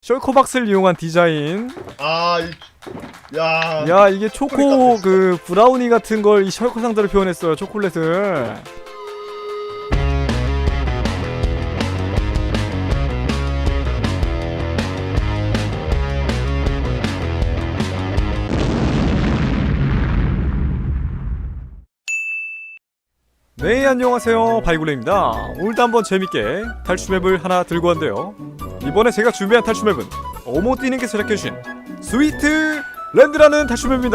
셜코박스를 이용한 디자인. 야. 야, 이게 초코 그 브라우니 같은 걸 이 셜코 상자로 표현했어요. 초콜릿을. 네, 안녕하세요, 바이굴레입니다. 오늘도 한번 재밌게 탈출맵을 하나 들고 왔는데요, 이번에 제가 준비한 탈출맵은 어모띠님께서 제작해주신 스위트 랜드라는 탈출맵입니다.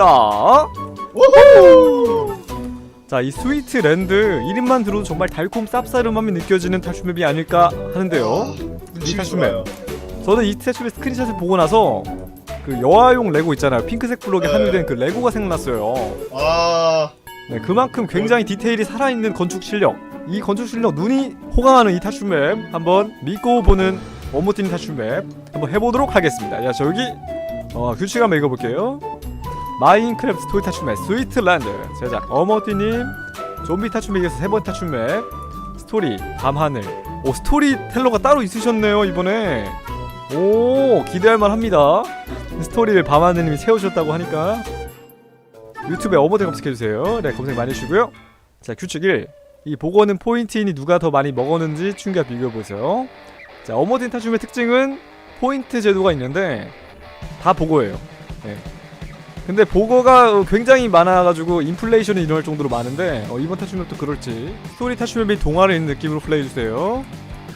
우후! 자, 이 스위트 랜드 이름만 들어도 정말 달콤 쌉싸름함이 느껴지는 탈출맵이 아닐까 하는데요, 이 탈출맵, 저는 이 탈출맵 스크린샷을 보고 나서 그 여아용 레고 있잖아요, 핑크색 블록에 함유된 그 레고가 생각났어요. 네, 그만큼 굉장히 디테일이 살아있는 건축 실력, 이 건축 실력 눈이 호강하는 이 탈출맵 한번 믿고 보는 어모띠님 탈출맵 한번 해보도록 하겠습니다. 야, 저기 규칙 한번 읽어볼게요. 마인크래프트 스토리 탈출맵 스위트랜드 제작 어모띠님, 좀비 탈출맵에서 세 번째 탈출맵 스토리 밤하늘. 오, 스토리텔러가 따로 있으셨네요 이번에. 오, 기대할만 합니다. 스토리를 밤하늘님이 세우셨다고 하니까 유튜브에 어머니 검색해주세요. 네, 검색 많이 해주시고요. 자, 규칙 1. 이 보고는 포인트인이 누가 더 많이 먹었는지 충격 비교해보세요. 자, 어머니 탈출맵의 특징은 포인트 제도가 있는데 다 보고예요. 네. 근데 보고가 굉장히 많아가지고 인플레이션이 일어날 정도로 많은데 이번 탈출맵도 그럴지 스토리 탈출맵이 동화를 있는 느낌으로 플레이해주세요.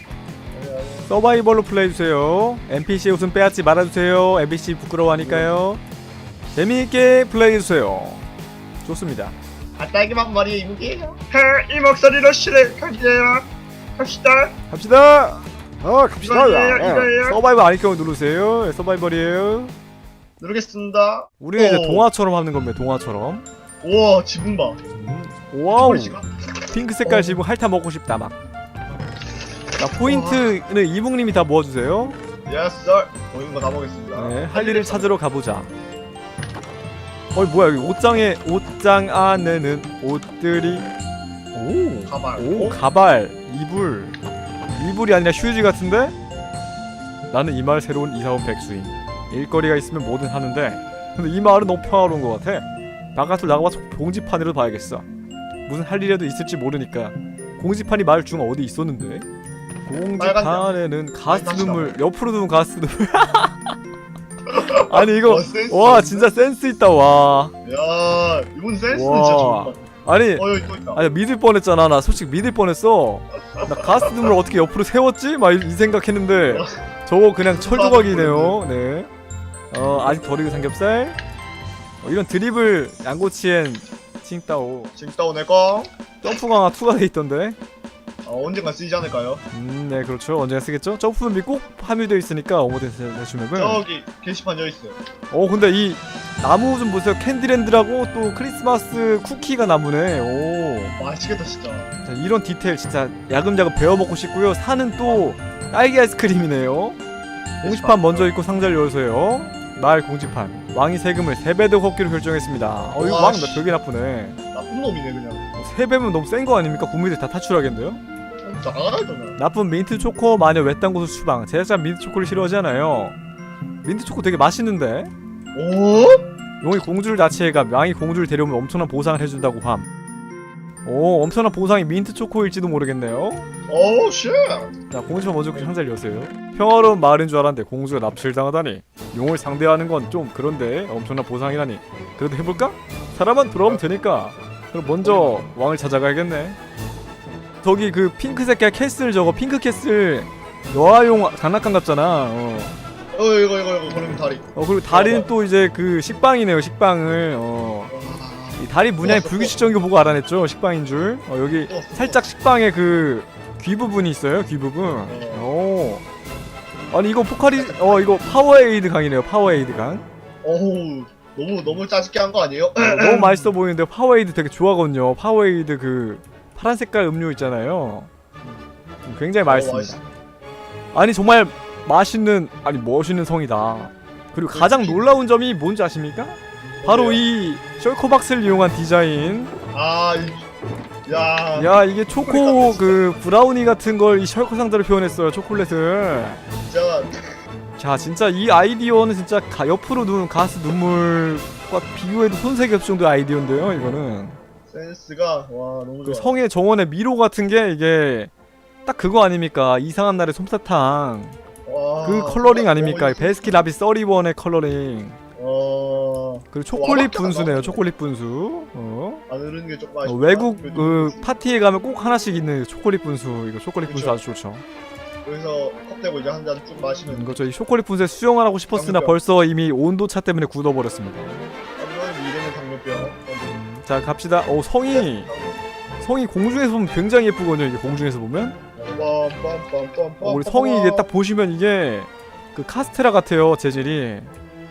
서바이벌로 플레이해주세요. NPC의 웃음 빼앗지 말아주세요. NPC 부끄러워하니까요. 재미있게 플레이해주세요. 좋습니다. 딸기맛 머리에 이무게요. 이 목소리로 실행하게요. 갑시다. 갑시다. 갑시다. 이거예요. 서바이벌 아닐 경우 누르세요. 네, 서바이벌이에요. 누르겠습니다. 우리는 이제 동화처럼 하는 겁니다. 동화처럼. 우와, 지붕 봐. 와우. 핑크 색깔 지붕 핥아 먹고 싶다 막. 자, 포인트는 이붕님이 다 모아주세요. 예스 썰. 보이는 거 다 먹겠습니다. 네, 할 일을 찾으러 가보자. 뭐야, 여기 옷장 안에는 옷들이. 오, 가발. 오, 가발, 이불이 아니라 휴지 같은데? 나는 이 마을 새로운 이사온 백수인. 일거리가 있으면 뭐든 하는데, 근데 이 마을은 너무 평화로운 것 같아. 바깥으로 나가봐서 공지판이라도 봐야겠어. 무슨 할 일이라도 있을지 모르니까. 공지판이 마을 중 어디 있었는데? 공지판에는 가스 눈물, 옆으로 두면 가스 눈물. 아니 이거 와, 진짜 센스 있다. 와, 야, 이분 센스는 와. 진짜 좋다. 아니 여기 또 있다. 아니 믿을 뻔했잖아. 나 솔직히 믿을 뻔했어. 나 가스 눈물 어떻게 옆으로 세웠지? 막 이 생각했는데 저거 그냥 철조각이네요. 네. 아직 덜 익은 삼겹살. 이런 드리블 양꼬치엔 칭따오. 칭따오 내꺼. 점프 강화 2가 돼 있던데. 언젠가 쓰이지 않을까요? 네, 그렇죠. 언젠가 쓰겠죠. 점프맵이 꼭 함유되어 있으니까 어머니 대충맵은. 저기 게시판 여기 있어요. 근데 이 나무 좀 보세요. 캔디랜드라고 또 크리스마스 쿠키가 나무네. 오, 맛있겠다 진짜. 자, 이런 디테일 진짜 야금야금 배워 먹고 싶고요. 산은 또 딸기 아이스크림이네요. 공지판 먼저 읽고 상자를 열어서요. 마을 공지판. 왕이 세금을 3배 더 걷기로 결정했습니다. 이거 왕 나 되게 나쁘네. 나쁜 놈이네 그냥. 3배면 너무 센 거 아닙니까? 국민들 다 탈출하겠는데요? 나가잖아. 나쁜 민트 초코 마녀 외딴 곳을 추방. 제작자 민트 초코를 싫어하잖아요. 민트 초코 되게 맛있는데? 오? 용이 공주를 납치해가 왕이 공주를 데려오면 엄청난 보상을 해준다고 함. 오, 엄청난 보상이 민트 초코일지도 모르겠네요. 오 쉣. 자, 공주가 먼저 그 상자를 여세요. 평화로운 마을인 줄 알았는데 공주가 납치를 당하다니. 용을 상대하는 건 좀 그런데 엄청난 보상이라니. 그래도 해볼까? 사람은 돌아오면 되니까. 그럼 먼저 왕을 찾아가야겠네. 저기 그 핑크 색깔 캐슬, 저거 핑크 캐슬 여아용 장난감 같잖아. 이거 그러면 다리. 그리고 다리는 또 이제 그 식빵이네요. 식빵을 이 다리 문양이 불규칙적인 거 보고 알아냈죠. 식빵인 줄. 여기 살짝 식빵의 그 귀 부분이 있어요. 귀 부분. 오. 아니 이거 포카리 이거 파워에이드 강이네요. 파워에이드 강. 어우, 너무 짜증게 한 거 아니에요? 너무 맛있어 보이는데 파워에이드 되게 좋아하거든요. 파워에이드 그 파란 색깔 음료 있잖아요. 굉장히 맛있습니다. 아니 정말 맛있는, 아니 멋있는 성이다. 그리고 가장 놀라운 점이 뭔지 아십니까? 바로 이 셜코박스를 이용한 디자인. 야, 이게 초코 그 브라우니 같은 걸 이 셜코 상자로 표현했어요. 초콜릿을. 진짜 자 진짜 이 아이디어는 진짜 옆으로 누운 가스 눈물과 비교해도 손색이 없을 정도의 아이디어인데요 이거는. 센스가 와 너무 그 좋아. 성의 정원의 미로 같은 게 이게 딱 그거 아닙니까? 이상한 날의 솜사탕 와, 그 컬러링 너무 아닙니까? 있어. 베스킨라빈 31의 컬러링. 그리고 초콜릿 와, 분수네요. 나오네. 초콜릿 분수. 안 흐르는 게 조금 아쉽다. 외국 그래도 그 파티에 가면 꼭 하나씩 있는 초콜릿 분수. 이거 초콜릿 분수 그쵸. 아주 좋죠. 여기서 컵 대고 이제 한 잔 쭉 마시면 이거 저희 초콜릿 분수에 수영을 하고 싶었으나 당뇨병. 벌써 이미 온도차 때문에 굳어버렸습니다. 한번 미래는 당뇨병. 자 갑시다. 성이 공중에서 보면 굉장히 예쁘거든요. 이게 공중에서 보면. 우리 성이 이게 딱 보시면 이게 그 카스테라 같아요. 재질이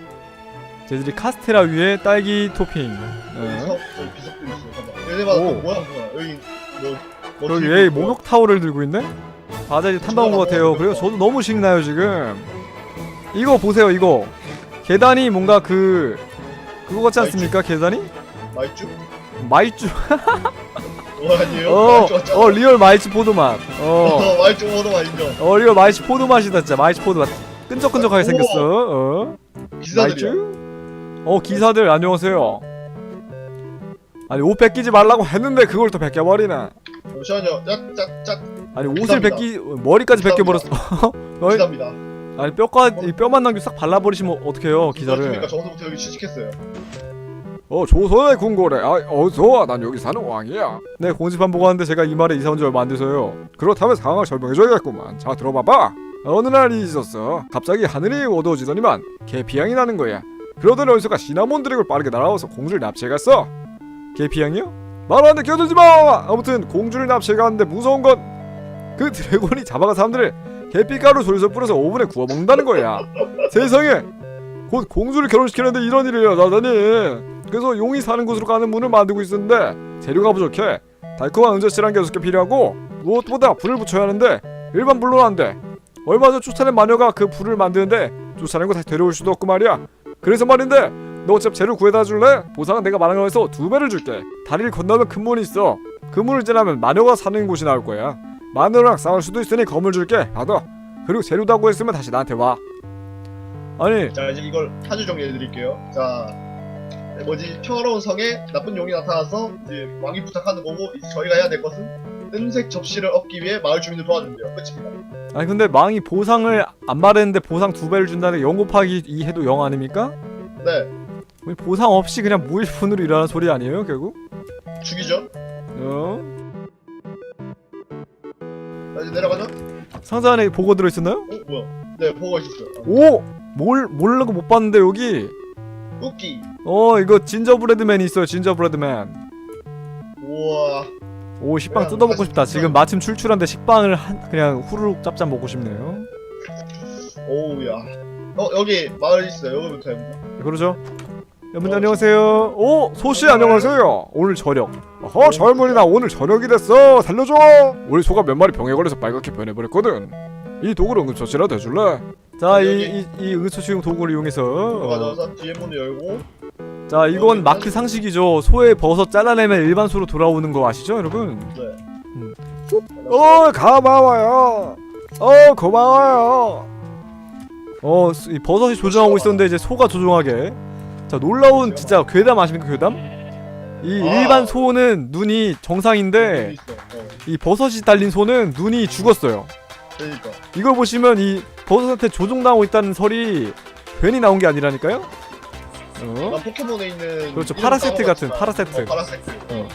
카스테라 위에 딸기 토핑. 비석도 있어. 봐봐. 얘네마다 오. 또 모양 뭐야? 여기 뭐 여기 들고 얘 있고. 목욕 타월을 들고 있네? 맞아 이제 탐방한 것 같아요. 그래요 저도 너무 신나요 지금. 이거 보세요 이거. 계단이 뭔가 그거 같지 않습니까? 계단이? 마이쮸? 마이쮸. 아니에요? 마이쮸 리얼 마이쮸 포도맛. 마이쮸 모두 인정. 리얼 마이쮸 포도맛이다 진짜. 마이쮸 포도맛. 끈적끈적하게 생겼어. 기사들이야. 마이쮸? 기사들 안녕하세요. 아니 옷 벗기지 말라고 했는데 그걸 또 벗겨버리나. 잠시만요. 짝짝짝. 아니 옷을 머리까지 벗겨버렸어. 기사입니다. 아니 이 뼈만 남기고 싹 발라버리시면 어떡해요 기사를. 그렇습니까? 저서부터 여기 취직했어요. 조선의 궁궐에 어서와. 난 여기 사는 왕이야. 네 공지판 보고 왔는데 제가 이 말에 이사 온 지 얼마 안 돼서요. 그렇다면 상황을 설명해줘야겠구만. 자 들어봐봐. 어느 날이 있었어. 갑자기 하늘이 어두워지더니만 계피향이 나는 거야. 그러던 어디서가 시나몬 드래곤을 빠르게 날아와서 공주를 납치해갔어. 계피향이요? 말하는데 끼어들지마! 아무튼 공주를 납치해갔는데 무서운 건 그 드래곤이 잡아간 사람들을 계피가루 솔솔 뿌려서 오븐에 구워 먹는다는 거야. 세상에! 곧 공주를 결혼시키는데 이런 일이 일어나다니. 그래서 용이 사는 곳으로 가는 문을 만들고 있었는데 재료가 부족해. 달콤한 은저씨란 게 6개 필요하고 무엇보다 불을 붙여야 하는데 일반 불로는 안 돼. 얼마 전 쫓아낸 마녀가 그 불을 만드는데 쫓아낸 거 다시 데려올 수도 없고 말이야. 그래서 말인데 너 어차피 재료 구해다 줄래? 보상은 내가 말한 거에서 2배를 줄게. 다리를 건너면 큰 문이 있어. 그 문을 지나면 마녀가 사는 곳이 나올 거야. 마녀랑 싸울 수도 있으니 검을 줄게. 받아. 그리고 재료도 하고 있으면 다시 나한테 와. 아니 자 이제 이걸 한 줄 정리해드릴게요. 자 평화로운 성에 나쁜 용이 나타나서 이제 왕이 부탁하는 거고 이제 저희가 해야 될 것은 은색 접시를 얻기 위해 마을 주민을 도와준대요. 끝입니다. 아니 근데 망이 보상을 안 말했는데 보상 2배를 준다는 0 곱하기 2 해도 0 아닙니까? 네 보상 없이 그냥 무일푼으로 일하는 소리 아니에요 결국? 죽이죠. 자 이제 내려가죠. 상자 안에 보고 들어있었나요? 뭐야? 네 보고 있었어요. 오! 모르고 못 봤는데 여기 쿠키. 이거 진저브레드맨이 있어요. 진저브레드맨. 우와. 오 식빵 그냥 뜯어먹고 사실 싶다. 지금 마침 출출한데 식빵을 그냥 후루룩 짭짭 먹고 싶네요. 오우야. 여기 마을 있어요. 여기부터 해보자. 그러죠? 여러분 안녕하세요. 오! 소씨 안녕하세요. 오늘 저녁. 젊은이 나 오늘 저녁이 됐어. 살려줘. 우리 소가 몇 마리 병에 걸려서 빨갛게 변해버렸거든. 이 도구를 응급처치라도 해줄래? 자, 이 응급처치용 도구를 이용해서 가져와서 뒤에 문을 열고. 자, 이건 마크 상식이죠. 소의 버섯 잘라내면 일반 소로 돌아오는 거 아시죠, 여러분? 네. 고마워요. 고마워요. 이 버섯이 조종하고 있었는데 이제 소가 조종하게. 자, 놀라운 진짜 괴담 아십니까, 괴담? 이 일반 소는 눈이 정상인데 이 버섯이 달린 소는 눈이 죽었어요. 그러니까. 이걸 보시면 이 버섯한테 조종당하고 있다는 설이 괜히 나온 게 아니라니까요? 난 포켓몬에 있는 그렇죠. 이름 파라세트 같은 까먹었지만. 파라세트. 파라세트.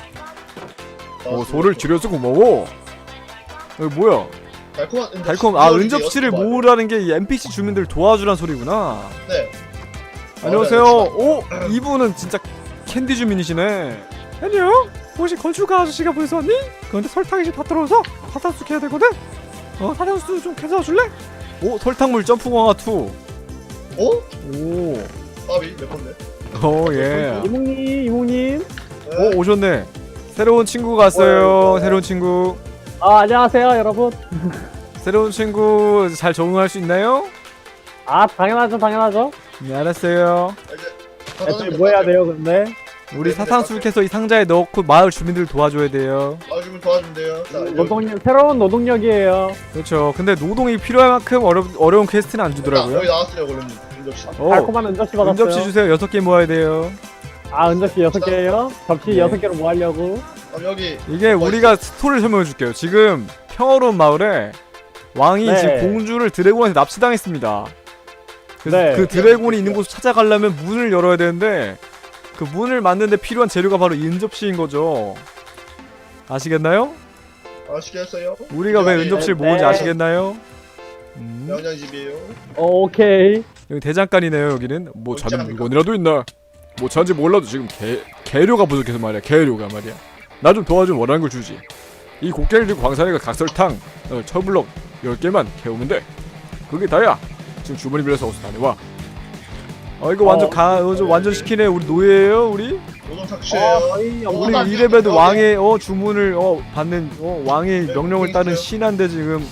소를 줄여서 먹어. 여기 뭐야? 달콤한 은접시. 달콤. 은접시를 모으라는 게 이 NPC 주민들 도와주란 소리구나. 네. 안녕하세요. 오, 이분은 진짜 캔디 주민이시네. 안녕. 혹시 건축가 아저씨가 벌써 왔니? 그런데 설탕이 지금 다 떨어져서 사탕수수 해야 되거든. 사탕수수 좀 캐서 줄래? 오, 설탕물 점프광화 2. 오. 밥이 몇 건데? 예. 이몽님. 네. 오셨네. 새로운 친구가 왔어요. 새로운 친구. 안녕하세요 여러분. 새로운 친구 잘 적응할 수 있나요? 당연하죠. 네, 알았어요. 이제 뭐 해야 돼요 근데? 우리 사탕수육해서 이 상자에 넣고 마을 주민들 도와줘야 돼요. 마을 주민 도와준대요. 자, 노동력 새로운 노동력이에요. 그렇죠. 근데 노동이 필요할 만큼 어려운 퀘스트는 안 여기 주더라고요. 나왔어요, 원래는. 접시. 달콤한 은접시 받았어요. 은접시 주세요. 6개 모아야 돼요. 아 은접시 6개예요? 접시 네. 6개로 뭐 하려고? 그럼 여기 이게 우리가 스토리를 설명해 줄게요. 지금 평화로운 마을에 왕이 네. 지금 공주를 드래곤한테 납치당했습니다. 그래서 네. 그 드래곤이 있는 곳을 찾아가려면 문을 열어야 되는데 그 문을 만드는데 필요한 재료가 바로 이 은접시인 거죠. 아시겠나요? 아시겠어요? 우리가 왜 은접시를 모은지 네. 아시겠나요? 양양 집이에요. 오케이. 여기 대장간이네요. 여기는 뭐 어찌 자는 합니까? 물건이라도 있나? 뭐 찾는지 몰라도 지금 개료가 부족해서 말이야. 개료가 말이야. 나 좀 도와주면 원하는 걸 주지. 이 곡괭이를 들고 광산에 가 각설탕 철블럭 10개만 캐오면 돼. 그게 다야. 지금 주머니 빌려서 어서 다녀와. 이거 완전 완전 시키네. 우리 노예예요 우리? 노동 착취예요. 거의 우리 나 이래봬도 여기. 왕의 주문을 받는 왕의 명령을 따른 신한데 지금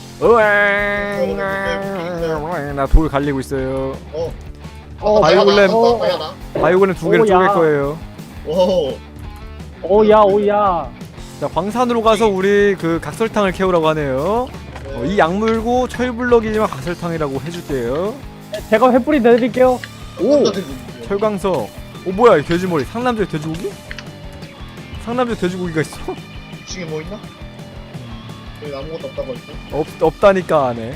나 돌 갈리고 있어요. 바이올렘. 바이올렘 2개를 쪼갤 오야. 거예요. 오. 오야. 자 광산으로 가서 우리 그 각설탕을 캐오라고 하네요. 이 약물고 철블럭이지만 각설탕이라고 해줄게요. 제가 횃불이 내드릴게요. 오! 철광석. 뭐야 이 돼지머리. 상남자의 돼지고기? 상남자의 돼지고기가 있어? 2층에 뭐 있나? 여기 아무것도 없다고 했어. 없다니까 안에.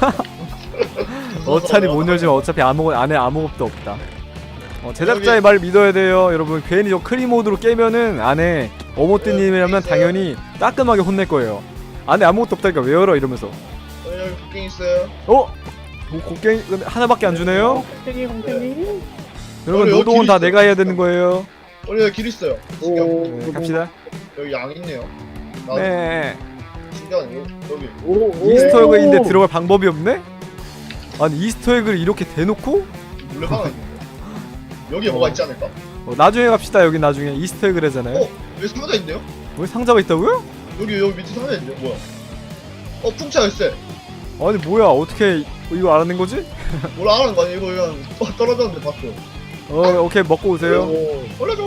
어차피 못 열지만 어차피 안에 아무것도 없다. 제작자의 말을 믿어야 돼요 여러분. 괜히 저 크리모드로 깨면은 안에 어모뜨님이라면 당연히 따끔하게 혼낼 거예요. 안에 아무것도 없다니까 왜 열어 이러면서. 여기 곡괭이 있어요. 곡괭이 근데 하나밖에 안 주네요? 콩탱이. 여러분 여기 노동은 길 다 있어. 내가 해야 되는 거예요. 여기 길 있어요. 신기하고. 네, 갑시다. 여기 양 있네요. 네. 신기하네. 여기. 이스터에그인데 들어갈 방법이 없네? 아니 이스터에그를 이렇게 대놓고? 물레방아 있는데. 여기에 뭐가 있지 않을까? 나중에 갑시다. 여기 나중에 이스터에그래잖아요. 여기 상자 있네요? 왜 상자가 있다고요? 여기 밑에 상자 있네요. 뭐야? 풍차 열쇠. 아니 뭐야 어떻게 이거 알아낸 거지? 뭘 알아는 거 아니야? 이거 그냥 떨어졌는데 봤어. 오케이 먹고 오세요. 올려줘.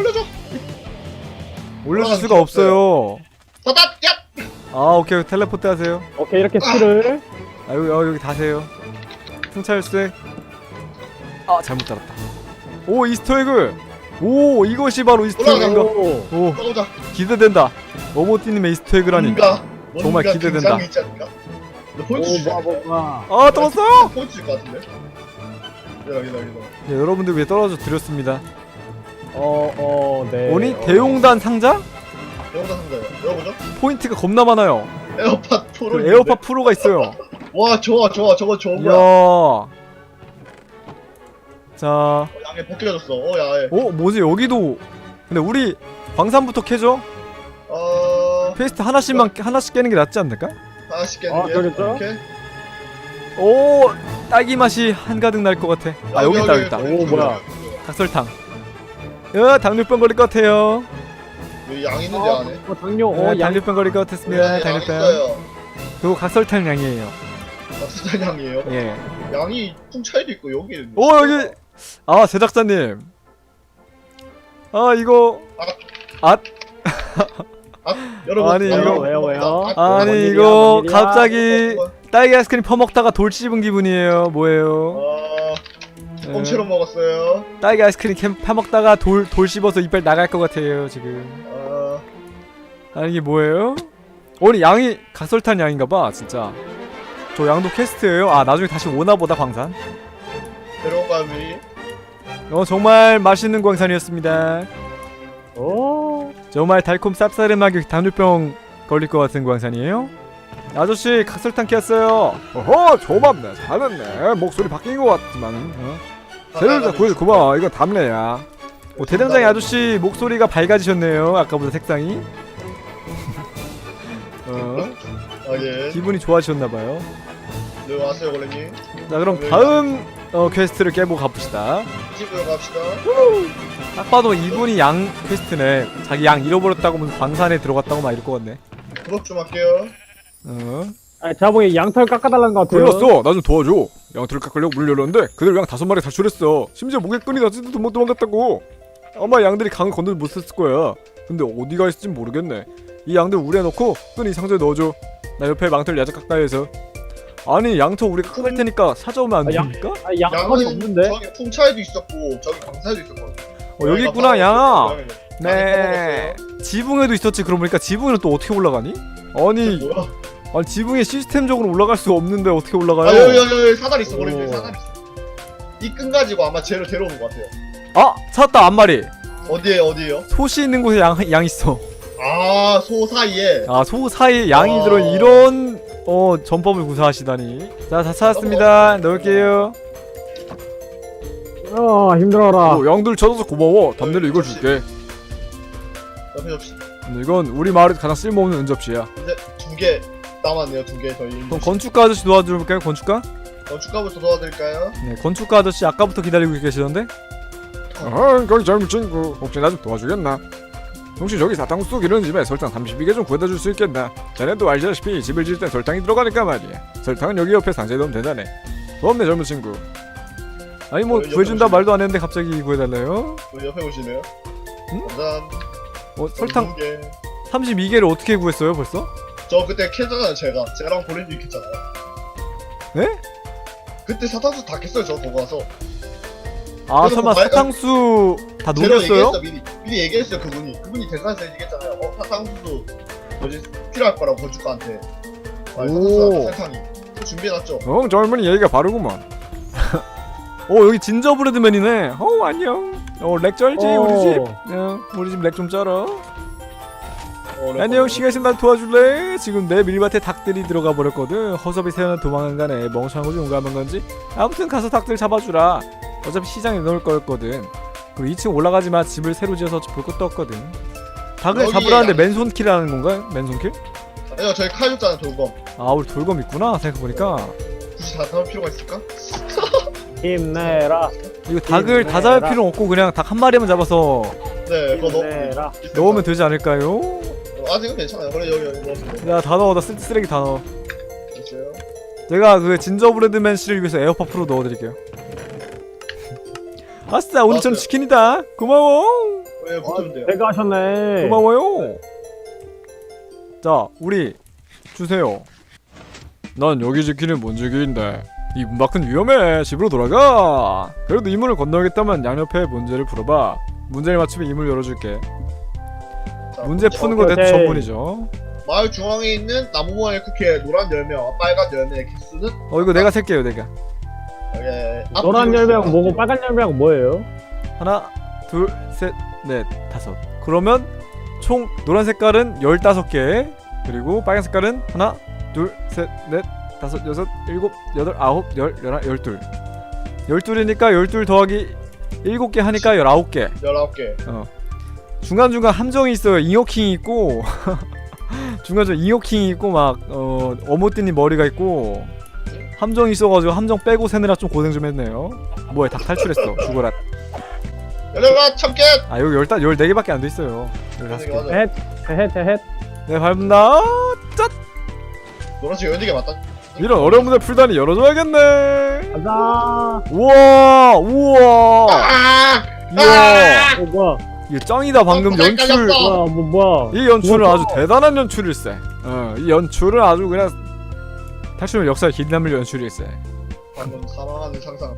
올려줄 수가 없어요. 바닥 야. 오케이 텔레포트 하세요. 오케이 이렇게 실을. 여기 다세요. 풍차열쇠. 잘못 달았다. 오 이스터에그. 오 이것이 바로 이스터에그인가. 오 올라가자. 기대된다. 어모티님의 이스터에그라니. 정말 기대된다. 긴장이 있지 않을까? 너 포인트 주지 않을까? 뭐가. 떨었어요? 포인트 줄 것 같은데? 기다려. 네, 여러분들 위해 떨어져 드렸습니다. 네. 오니 대용단 상자? 영상 상자요. 열어보죠. 포인트가 겁나 많아요. 에어팟 프로. 그 에어팟 프로가 있어요. 와 좋아. 저거 좋은 거야. 이야. 자, 양에 벗겨졌어 야에. 뭐지 여기도. 근데 우리 광산부터 캐죠? 퀘스트 하나씩 깨는 게 낫지 않을까? 하나씩 깨는 게. 그러겠죠? 이렇게. 오, 딸기 맛이 한가득 날 것 같아. 여기 있다. 오, 뭐야. 각설탕. 당뇨병 걸릴 것 같아요. 여기 양 있는데 안에. 당뇨. 양. 당뇨병 걸릴 것 같았습니다. 양 당뇨병. 있어요. 그리고 각설탕 양이에요. 납수단 양이에요. 예. 양이 풍차에도 있고 여기. 여기. 제작자님. 이거. 여러분. 아니, 이거 왜요? 아니 뭔 이거 일이야? 갑자기 딸기 아이스크림 퍼먹다가 돌 씹은 기분이에요. 뭐예요? 꽁치로 먹었어요. 딸기 아이스크림 퍼먹다가 돌 씹어서 이빨 나갈 것 같아요 지금. 아니 이게 뭐예요? 오늘 양이 각설탄 양인가봐 진짜. 저 양도 퀘스트예요. 나중에 다시 오나보다 광산. 데려감이. 정말 맛있는 광산이었습니다. 오. 정말 달콤 쌉싸름하게 당뇨병 걸릴 것 같은 광산이에요. 아저씨 각설탕 켰어요. 조맙네 잘했네. 목소리 바뀐 것 같지만. 재료를 구해서 고마워. 이건 담내야. 대장장이 아저씨 목소리가 밝아지셨네요. 아까보다 색상이. 예. 기분이 좋아지셨나봐요. 네 왔어요 원래님. 자 그럼 다음 퀘스트를 깨보고 가봅시다. 집으로 갑시다. 딱 봐도 이분이 양 퀘스트네. 자기 양 잃어버렸다고 무슨 광산에 들어갔다고 막 이럴 것 같네. 부럽 좀 할게요. 제가 보기엔 양털 깎아달라는 것 같아요. 걸렸어. 나 좀 도와줘. 양털을 깎으려고 문을 열었는데 그대로 양 5마리 탈출했어. 심지어 목에 끈이 났지도 못 도망갔다고. 아마 양들이 강을 건너지 못했을 거야. 근데 어디가 있을지 모르겠네. 이 양들 우리에 넣고 끈이 상자에 넣어줘. 나 옆에 망토를 야자 가까이 해서. 아니 양토 우리가 할 테니까 찾아오면 안 아, 양- 됩니까? 아, 양털이 없는데? 저기 풍차에도 있었고 저기 강사에도 있었거든. 여기 있구나 양아. 네. 네. 지붕에도 있었지. 그러고 보니까 지붕에는 또 어떻게 올라가니? 아니 뭐야? 아니 지붕에 시스템적으로 올라갈 수 없는데 어떻게 올라가요? 아 여기 사다리 있어. 우리 오. 사다리 있어. 이 끈 가지고 아마 쟤를 데려오는 것 같아요. 아 찾았다 앞마리. 어디에요? 소시 있는 곳에 양 있어. 아, 소 사이에. 아 소 사이에 양이 와. 들어 이런 전법을 구사하시다니. 자 다 찾았습니다. 넣을게요. 힘들어라. 양들 찾아서 고마워. 담내로 이걸 줄게. 옆에 접시. 이건 우리 마을에서 가장 쓸모없는 은접시야. 이제 2개 남았네요. 2개 저희. 그럼 건축가 아저씨 도와줄까요? 건축가? 건축가부터 도와드릴까요? 네 건축가 아저씨 아까부터 기다리고 계시던데? 거기 젊은 친구 혹시 나 좀 도와주겠나? 혹시 저기 사탕수 속 이런 집에 설탕 32개 좀 구해다 줄 수 있겠나? 자네도 알다시피 집을 지을 땐 설탕이 들어가니까 말이야. 설탕은 여기 옆에 상자에 넣으면 되자네. 고맙네 젊은 친구. 아니 뭐 옆에 구해준다 오시네. 말도 안 했는데 갑자기 구해달래요? 우리 옆에 오시네요. 응? 짠. 설탕 2개. 32개를 어떻게 구했어요 벌써? 저 그때 캤잖아요. 제랑 보렌지 캤잖아요. 네? 그때 사탕수 다 캤어요. 저 보고 와서. 아 그래서 설마 뭐 사탕수 다 제가 녹였어요? 얘기했어. 미리 얘기했어요. 그분이 대사에서 얘기했잖아요. 사탕수도 뭐지 필요할 거라고 건축가한테. 오. 사탕수랑 설탕이. 준비해놨죠. 젊은이 얘기가 바르구만. 여기 진저브레드맨이네. 안녕. 렉 쩔지 우리 집. 우리 집 렉 좀 쩔어. 안녕 시간 있으면 날 도와줄래? 지금 내 밀밭에 닭들이 들어가 버렸거든. 허섭이 새어나 도망간 간에 멍청한 거지 용감한 건지. 아무튼 가서 닭들 잡아주라. 어차피 시장에 넣을 거였거든. 그리고 2층 올라가지마. 집을 새로 지어서 볼 것도 없거든. 닭을 여기 잡으라는데 양- 맨손킬하는 건가요? 맨손킬? 아니요 저희 칼 줬잖아요. 돌검. 아 우리 돌검 있구나 생각해보니까. 굳이 다 잡을 필요가 있을까? 힘내라. 이거 닭을 다 잡을 필요는 없고 그냥 닭 한 마리만 잡아서 네 그거 힘내라. 넣으면 되지 않을까요? 아직은 괜찮아요. 그래 여기 넣었어요. 야 다 넣어. 나 쓰레기 다 넣어. 됐어요. 제가 그 진저브레드맨 씨를 위해서 에어팟 프로 넣어드릴게요. 아싸 오늘처럼 넣었어요. 치킨이다. 고마워. 왜 붙으면 돼요? 제가 하셨네. 고마워요. 자 우리 주세요. 난 여기 지키는 문지기인데 이 문 밖은 위험해. 집으로 돌아가. 그래도 이 문을 건너겠다면 양옆에 문제를 풀어봐. 문제를 맞추면 이 문을 열어줄게. 자, 문제 푸는 거 내 오케이. 전문이죠. 마을 중앙에 있는 나무 모양의 쿠키의 노란 열매와 빨간 열매의 개수는 이거 내가 셀게요 내가. 여기 노란 열매하고 뭐고 빨간 열매하고 뭐예요? 하나 둘 셋 넷 다섯. 그러면 총 노란 색깔은 15개 그리고 빨간 색깔은 하나 둘 셋 넷 다섯 여섯 일곱 여덟 아홉 열 열한 열둘. 12이니까 12 더하기 7개 하니까 19개. 19개. 중간중간 함정이 있어요. 잉여킹이 있고 중간중간 잉여킹이 있고 막 어모띠님 머리가 있고 함정이 있어가지고 함정 빼고 세느라 좀 고생 좀 했네요. 뭐야 닭 탈출했어. 죽어라. 열려라 참깨! 아 여기 14개밖에 안 돼 있어요. 15개. 맞아. 헷. 네 밟는다. 짠! 노란색 14개 맞다. 이런 어려운 문제 풀다니 열어줘야겠네. 가자. 우와 우와 아! 우와 뭐야? 이거 짱이다. 방금 깜짝 연출. 놀랐어. 뭐야? 이 연출은 우와. 아주 대단한 연출일세. 이 연출은 아주 그냥 탈출 역사에 길 남을 연출일세. 방금 사망하는 상상.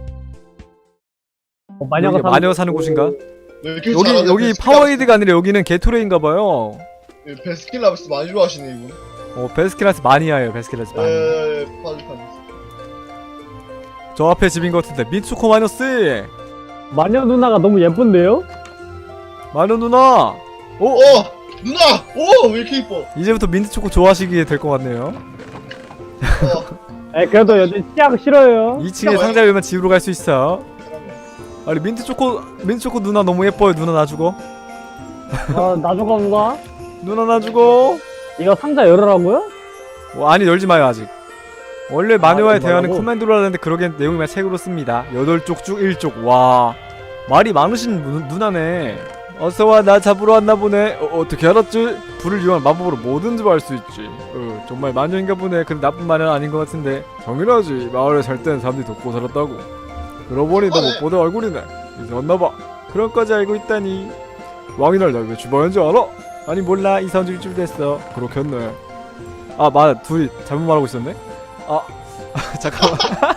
마녀가 여기 마녀 사는 곳인가? 왜 이렇게 여기 잘하냐, 여기 베스킨 파워에이드가 아니라 여기는 게토레인가봐요. 라빈스. 베스킨라빈스 많이 좋아하시네 이분. 베스킨라빈스 마니아예요. 베스킨라빈스 마니아. 파주판. 저 앞에 집인 것 같은데 민츠코 마이너스. 마녀 누나가 너무 예쁜데요? 마녀 누나. 누나! 왜 이렇게 이뻐? 이제부터 민트초코 좋아하시게 될 것 같네요. 그래도 여기 씨앗 싫어요. 2층에 상자 열면 집으로 갈 수 있어. 아니 민트초코 누나 너무 예뻐요. 누나 놔주고. 나중에 누가? 누나 놔주고. 이거 상자 열으라고요? 아니 열지 마요 아직. 원래 마녀와의 열지 대화는 말라고? 커맨드로 하는데 그러기엔 내용이만 책으로 씁니다. 8쪽 중 1쪽. 와 말이 많으신 누나네. 어서와 나 잡으러 왔나 보네. 어떻게 알았지? 불을 이용한 마법으로 뭐든지 할 수 있지. 정말 마녀인가 보네. 근데 나쁜 마녀는 아닌 것 같은데. 당연하지. 마을에 살 땐 사람들이 돕고 살았다고. 그러고 보니 너 못 보던 얼굴이네. 이제 왔나봐. 그런까지 알고 있다니. 왕이 날 왜 주방인 줄 알아? 아니 몰라, 이사 온 지 일주일 됐어. 그렇겠네. 아 맞아, 둘이 잘못 말하고 있었네. 아 잠깐만.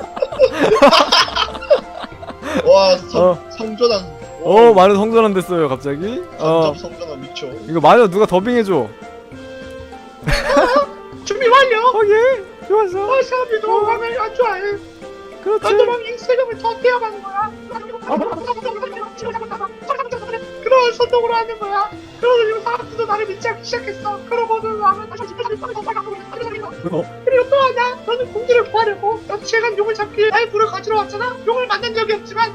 와 어. 성전환. 마녀 성전환 됐어요 갑자기. 간접 성전환 미쳐. 이거 마녀 누가 더빙해줘. 준비 완료. 예, 좋았어. 사람들도 왕을 안 좋아해. 그렇지. 왕이 세금을 더 떼어가는 거야. 그런 선동으로 하는 거야. 그러다 지금 사람들도 나를 믿지 않기 시작했어. 그러고는 왕은 다시 그리고 또 하나, 너는 공주를 구하려고 며칠간 용을 잡기 위해 나의 불을 가지러 왔잖아. 용을 만난 적이 없지만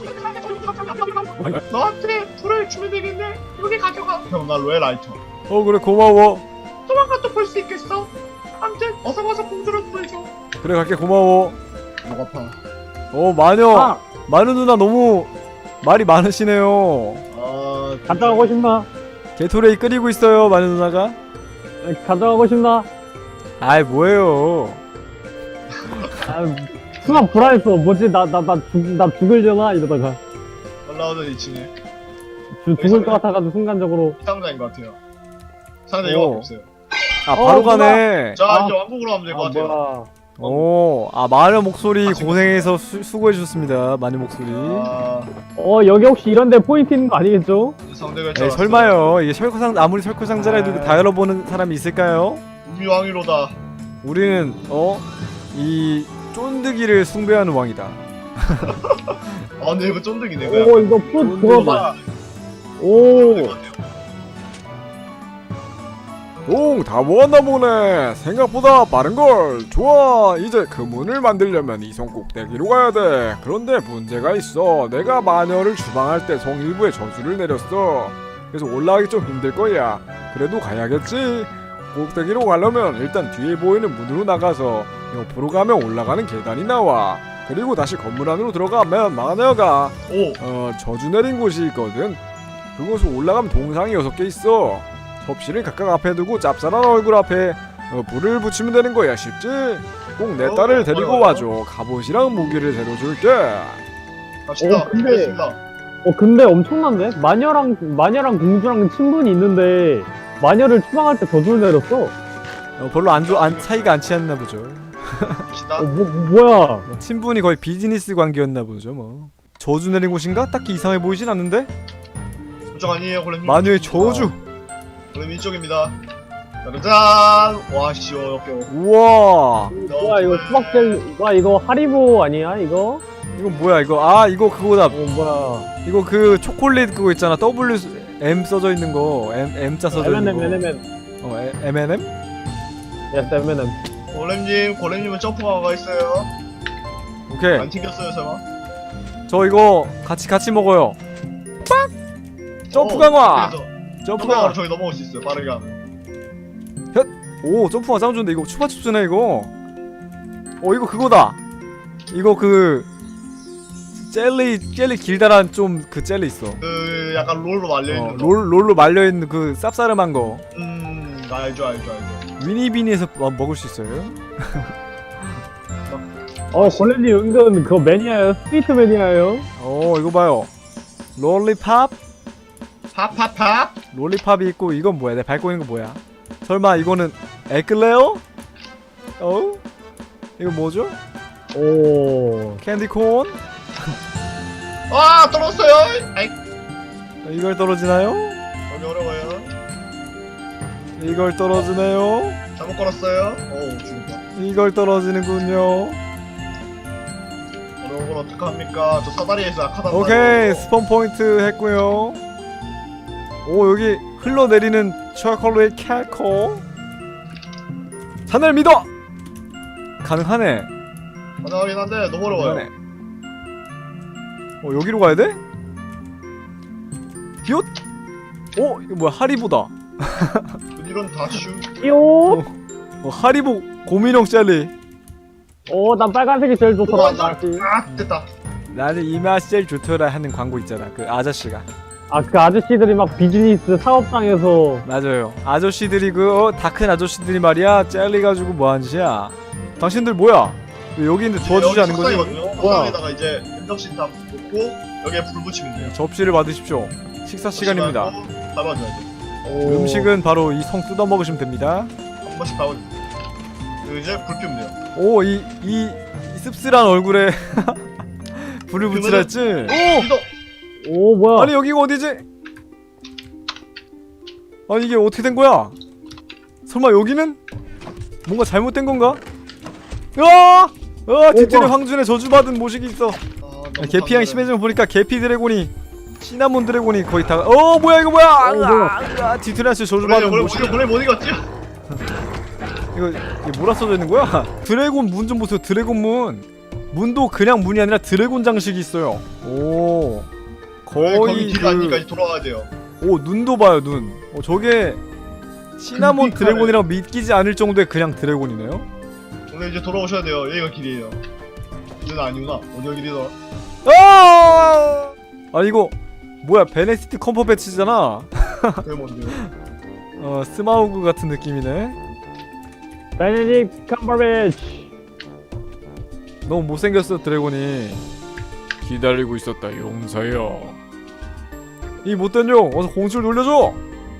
너한테 불을 주면 되겠네. 여기 가져가. 형, 나 로얄라이터. 그래 고마워. 도망가 또 볼 수 있겠어. 아무튼 어서 와서 공주를 구해줘. 그래 갈게, 고마워. 목 아파. 마녀. 마녀 누나 너무 말이 많으시네요. 갔다 가고 싶나? 게토레이 끓이고 있어요 마녀 누나가. 갔다 가고 싶나? 아이 뭐예요. 순간 불안했어. 뭐지? 나 죽을려나? 이러다가. 올라오던 2층에 죽을 것 같아가지고 순간적으로. 상자인 것 같아요. 상자 이거밖에 없어요. 바로 가네. 자, 이제 왕국으로 가면 될 것 같아요. 뭐야. 마녀 목소리 고생해서 수고해주셨습니다. 마녀 목소리. 여기 혹시 이런데 포인트 있는 거 아니겠죠? 상대가 에이, 설마요. 이게 아무리 설코상자라도 이거 다 열어보는 사람이 있을까요? 우미왕이로다. 우리는 이 쫀득이를 숭배하는 왕이다. 근데 이거 쫀득이네. 이거 풋 그거다. 다 모았나 보네. 생각보다 빠른걸. 좋아, 이제 그 문을 만들려면 이 성 꼭대기로 가야 돼. 그런데 문제가 있어. 내가 마녀를 주방할 때 성 일부에 저주를 내렸어. 그래서 올라가기 좀 힘들 거야. 그래도 가야겠지. 꼭대기로 가려면 일단 뒤에 보이는 문으로 나가서 옆으로 가면 올라가는 계단이 나와. 그리고 다시 건물 안으로 들어가면 마녀가 저주 내린 곳이 있거든. 그곳으로 올라가면 동상이 6개 있어. 접시를 각각 앞에 두고 짭짤한 얼굴 앞에 불을 붙이면 되는 거야. 쉽지? 꼭 내 딸을 데리고 와줘. 갑옷이랑 무기를 새로 줄게. 갑시다. 근데 엄청난데? 마녀랑 공주랑 친분이 있는데 마녀를 추방할 때 저주를 내렸어. 별로 사이가 안 치였나 보죠. 갑시다. 뭐야? 친분이 거의 비즈니스 관계였나 보죠 뭐. 저주 내린 곳인가? 딱히 이상해 보이진 않는데? 그쪽 아니에요, 골렘님. 마녀의 저주. 골렘 이쪽입니다. 짜잔. 와, 역겨워. 우와. 뭐야 이거 수박젤? 와 이거 하리보 아니야 이거? 이거 뭐야 이거? 이거 그거다. 뭐야? 이거 그 초콜릿 그거 있잖아. M 써져 있는 거. M자 써져 있는 거. M&M? Yes, M&M. 골렘님은 점프가 있어요. 오케이. 안 튕겼어요, 설마? 저 이거 같이 먹어요. 빡! 점프 강화. 점프 강화. 저기 넘어올 수 있어요. 빠르게 하면. 오, 점프 강화 짱 좋은데 이거 추파춥스네 이거. 이거 그거다. 이거 그 젤리 길다란 좀 그 젤리 있어. 그 약간 롤로 말려 있는 거. 롤로 말려 있는 그 쌉싸름한 거. 알죠. 위니비니에서 먹을 수 있어요. 골렘님 은근 그거 매니아예요. 스위트 매니아예요. 이거 봐요. 롤리팝? 팝. 롤리팝이 있고 이건 뭐야? 내가 밟고 있는 거 뭐야? 설마 이거는 에클레어? 이거 뭐죠? 캔디콘? 떨어졌어요. 아이. 이걸 떨어지나요? 너무 어려워요. 이걸 떨어지네요. 잘못 걸었어요. 죽었다. 이걸 떨어지는군요. 어려운 걸 어떡합니까? 저 사다리에서 약하단 오케이, 말이에요. 스폰 포인트 했고요. 여기 흘러내리는 초콜릿 캘코. 자넬 믿어. 가능하네. 가능하긴 한데 너무 어려워요. 가능하네. 여기로 가야 돼? 비옷? 이거 뭐야? 하리보다. 이런 다슈. 띠용. 하리보 고민형 젤리. 난 빨간색이 제일 좋더라. 됐다. 나는 이 맛이 제일 좋더라 하는 광고 있잖아. 그 아저씨가. 그 아저씨들이 막 비즈니스 사업장에서. 맞아요. 아저씨들이 다 큰 아저씨들이 말이야 젤리 가지고 뭐하는 짓이야. 당신들 뭐야? 왜 여기 있는데 도와주지 않은 거지? 뭐야? 석상에다가 이제 vendop신 다 넣고 여기에 불 붙이면 돼요. 접시를 받으십시오. 식사 시간입니다. 밟아줘야죠. 오. 음식은 바로 이 성 뜯어 먹으시면 됩니다. 한 번씩 밟아주세요. 그리고 이제 불 피우면 돼요. 오, 이 씁쓸한 얼굴에 불을 붙이라 했지? 오! 이동! 오 뭐야? 아니 여기가 어디지? 아니 이게 어떻게 된 거야? 설마 여기는 뭔가 잘못된 건가? 으아! 뒤틀에 뭐야? 황준의 저주받은 모식이 있어. 너무 계피향이 감사해요. 심해지면 보니까 계피 드래곤이 시나몬 드래곤이 거의 다. 뭐야 이거 뭐야? 뭐야? 뒤틀에한테 저주받은 모식이. 원래 못 이겼지? 이게 뭐라 써져 있는 거야? 드래곤 문 좀 보세요. 드래곤 문. 문도 그냥 문이 아니라 드래곤 장식이 있어요. 오. 거기 거의 길 아니까 돌아와야 돼요. 오, 눈도 봐요 눈. 저게 시나몬 그 빛깔을- 드래곤이라고 믿기지 않을 정도의 그냥 드래곤이네요. 오늘 이제 돌아오셔야 돼요. 여기가 길이에요. 이건 아니구나. 어디가 길이더라? 아 이거 뭐야? 베네시트 컴퍼배치잖아. 그게 뭔데요? 스마우그 같은 느낌이네. 베네딕 컴버배치. 너무 못생겼어 드래곤이. 기다리고 있었다 용사여. 이 못된 용 어서 공주를 놀려줘.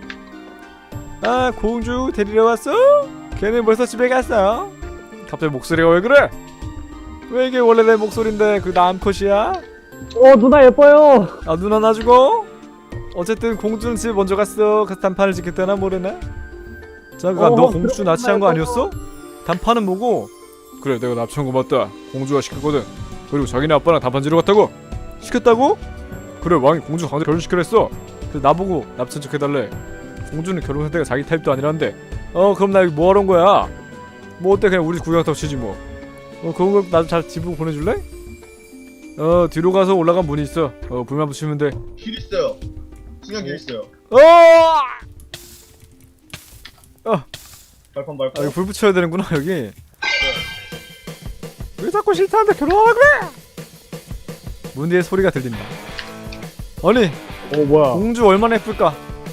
아 공주 데리러 왔어? 걔는 벌써 집에 갔어. 갑자기 목소리가 왜 그래? 왜 이게 원래 내 목소린데 그 남컷이야? 누나 예뻐요. 아 누나 놔주고? 어쨌든 공주는 집에 먼저 갔어. 가서 단판을 짓겠다나 모르나? 잠깐 너 공주 납치한 거 아니었어? 단판은 뭐고? 그래 내가 납치한 거 맞다. 공주가 시켰거든. 그리고 자기네 아빠랑 단판 지러 갔다고? 시켰다고? 그래 왕이 공주 강제 결혼시키려 했어. 그래서 나보고 납치한 척 해달래. 공주는 결혼 상태가 자기 타입도 아니란데. 그럼 나 여기 뭐하러 온 거야? 뭐 어때 그냥 우리 구경 타고 치지 뭐. 그런 거 나도 잘 집으로 보내줄래? 뒤로 가서 올라간 문이 있어. 불만 붙이면 돼. 길 있어요. 중요한 길 있어요. 발판 이거 불 붙여야 되는구나 여기. 왜 자꾸 싫다는데 결혼하라 그래? 문 뒤에 소리가 들린다. 아니 뭐야? 공주 얼마나 예쁠까?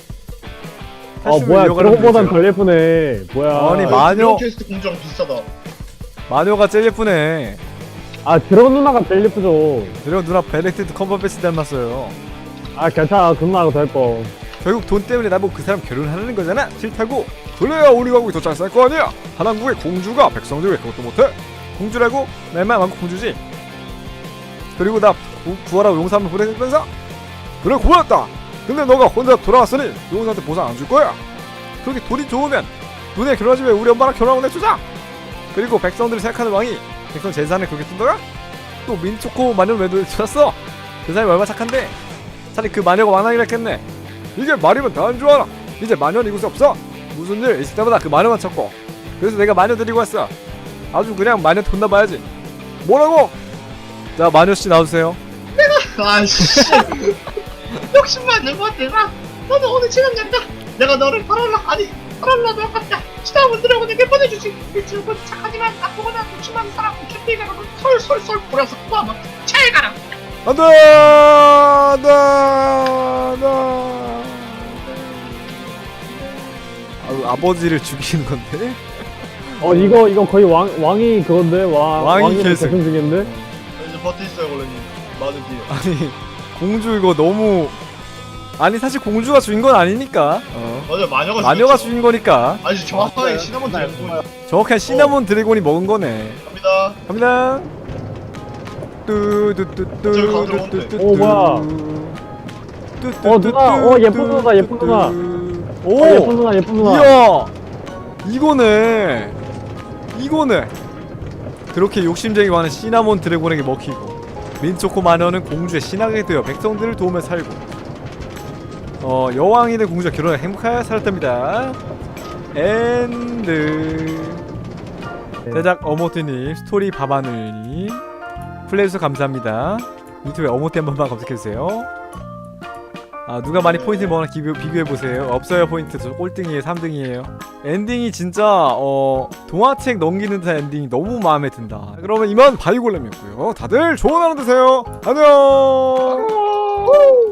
뭐야? 그거보단 덜 예쁘네. 뭐야? 아니, 마녀- 퀘스트 공주랑 비슷하다. 마녀가 제일 예쁘네. 드래곤 누나가 제일 예쁘죠. 그리고 누나 베네딕트 컴버배치 닮았어요. 괜찮아. 그 누나가 더 예뻐. 결국 돈 때문에 나보고 그 사람 결혼하는 거잖아. 싫다고. 그래야 우리 가국이 더 잘 살 거 아니야. 한왕국의 공주가 백성들 왜 그것도 못해? 공주라고? 내 말 많고 공주지. 그리고 나 구하라고 용사 한번 보내면서 그래 고맙다. 근데 너가 혼자 돌아왔으니 용사한테 보상 안 줄 거야. 그렇게 돈이 좋으면 너네 결혼하지 왜 우리 엄마랑 결혼하고 내주자. 그리고 백성들을 생각하는 왕이 백성 재산을 그렇게 뜬다가 또 민초코 마녀를 왜 줬어? 그 사람이 얼마나 착한데 차라리 그 마녀가 왕하기로 했겠네. 이게 말이면 다 안 좋아라. 이제 마녀는 이곳에 없어. 무슨 일 있을 때마다 그 마녀만 찾고. 그래서 내가 마녀 데리고 왔어. 아주 그냥 마녀 돈나 봐야지. 뭐라고? 자 마녀씨 나와주세요. 아씨. 욕심만 내고 내가 너는 오늘 지나간다. 내가 너를 팔아라 너같다. 시나몬 드래곤에게 보내주지. 이 친구는 착하지만 나쁘거나 욕심많은 사람 캠핑에 가서 솔솔솔 뿌려서 구하면 잘 가라. 안돼 아버지를 죽이는 건데? 이거 거의 왕이 그건데 왕이 계승. 계승 중인데. 이제 버티 있어요 원래님. 맞은 뒤에. 아니 공주 이거 너무 아니 사실 공주가 죽인 건 아니니까 맞아 마녀가 마녀가 죽였죠. 죽인 거니까 아니 정확하게 시나몬 드래곤 정확한 시나몬 드래곤이 먹은 거네. 갑니다. 갑니다. 저기 가운데로 오면 돼. 뭐야? 누나. 예쁜 누나, 예쁜 누나. 오 예쁜 누나, 예쁜 누나. 이야 이거네. 그렇게 욕심쟁이 많은 시나몬 드래곤에게 먹히고 민초코 마녀는 공주의 신하게 되어 백성들을 도우며 살고 여왕이 된 공주와 결혼해 행복하게 살았답니다. 엔드. 제작 어모티님, 스토리 바바늘님, 플레이해주셔서 감사합니다. 유튜브에 어모티 한 번만 검색해주세요. 누가 많이 포인트 먹나 비교해보세요. 없어요 포인트. 저 꼴등이에요. 3등이에요. 엔딩이 진짜 동화책 넘기는 듯한 엔딩이 너무 마음에 든다. 그러면 이만 바이골렘이었고요. 다들 좋은 하루 되세요. 안녕.